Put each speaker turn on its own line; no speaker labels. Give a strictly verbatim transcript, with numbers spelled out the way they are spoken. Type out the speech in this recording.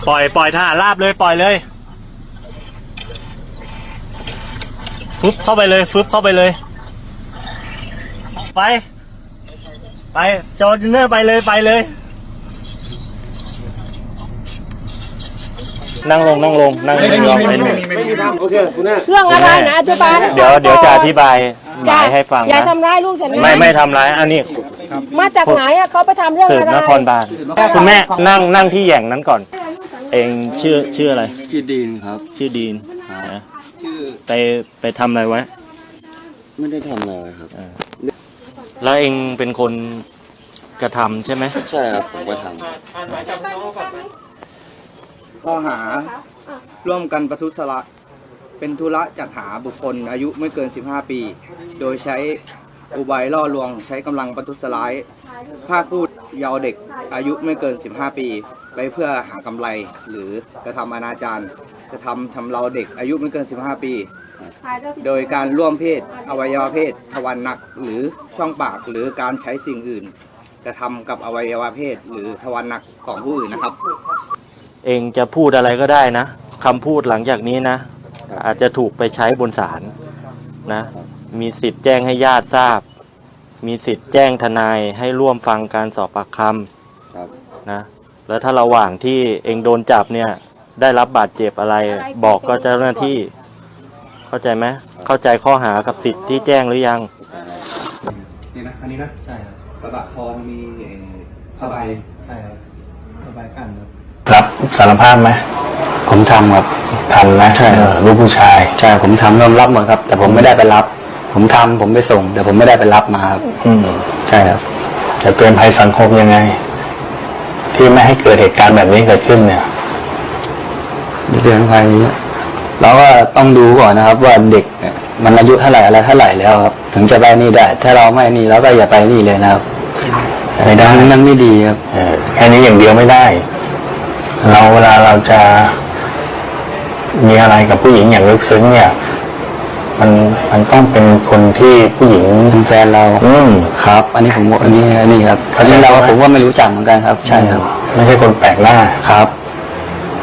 ปล่อยปล่อยทหารราบเลยปล่อยเลยฟึบเข้าไปเลยฟึบเข้าไปเลยไปไปจอร์จูเนอร์ไปเลยไปเลยนั่งลงนั่งลงนั่งลงไม่มีไม่มีไม่มีโอเคคุณแม่
เรื่องอะไรนะอธิบาย
เดี๋ยวเดี๋ยวจะอธิบายหมายให้ฟังนะ
อย่าทำร้ายลูกฉันนะ
ไม่ไม่ทำร้ายอันนี้
มาจากไหนอะเขาไปทำเรื่องอะไร
สืบนครบาลคุณแม่นั่งนั่งที่แหย่งนั้นก่อนเองชื่อชื่ออะไร
ชื่อดีนครับ
ชื่อดีนนะ
ชื่อ
ไปไปทำอะไรไว้
ไม่ได้ทำอะไรครับ
แล้วเองเป็นคนกระทำใช่ไหม
ใช่ครับผมก็ทำ
ข้อหาร่วมกันประทุษร้ายเป็นธุระจัดหาบุคคลอายุไม่เกินสิบห้าปีโดยใช้อุบายล่อลวงใช้กำลังประทุษร้ายพรากผู้เยาว์เด็กอายุไม่เกินสิบห้าปีไปเพื่อหากำไรหรือกระทำอนาจารกระทำชำเราเด็กอายุไม่เกินสิบห้าปีโดยการร่วมเพศอวัยวะเพศทวารหนักหรือช่องปากหรือการใช้สิ่งอื่นกระทำกับอวัยวะเพศหรือทวารหนักของผู้อื่นนะครับ
เองจะพูดอะไรก็ได้นะคำพูดหลังจากนี้นะอาจจะถูกไปใช้บนศาลนะมีสิทธิ์แจ้งให้ญาติทราบมีสิทธิ์แจ้งทนายให้ร่วมฟังการสอบปากคำนะแล้วถ้าระหว่างที่เองโดนจับเนี่ยได้รับบาดเจ็บอะไรบอกก็เจ้าหน้าที่เข้าใจไหมเข้าใจข้อหากับสิทธิ์ที่แจ้งหรือยัง
นี่นะอันนี้นะใช่ครับกระบะทองมีผ้าใบใช่ครับผ้าใบกั้นครับ
รับสารภาพไหม
ผมทำครับ
ทำนะ
ใช่
ลูกผู้ชาย
ใช่ผมทำยอมรับหมดครับแต่ผมไม่ได้ไปรับผมทำผมไปส่งแต่ผมไม่ได้ไปรับมาครับ
อืม
ใช่ครับ
จะเตือนภัยสังคมยังไงที่ไม่ให้เกิดเหตุการณ์แบบนี้เกิดขึ้นเนี่ย
เตือนภัยเราก็ต้องดูก่อนนะครับว่าเด็กมันอายุเท่าไหร่อะไรเท่าไหร่แล้วครับถึงจะไปนี่ได้ถ้าเราไม่นี่เราก็อย่าไปนี่เลยนะครับ
ไม่ได้
นั่นไม่ดีครับ
แค่นี้อย่างเดียวไม่ได้เราเวลาเราจะมีอะไรกับผู้หญิงอย่างลึกซึ้งเนี่ยมันมันต้องเป็นคนที่ผู้หญิง
เป็นแฟนเรา
อืม
ครับอันนี้ผมอันนี้อันนี้ครับอันนี้เราผมว่าไม่รู้จักเหมือนกันครับใช่ครับ
ไม่ใช่คนแปลกหน้า
ครับ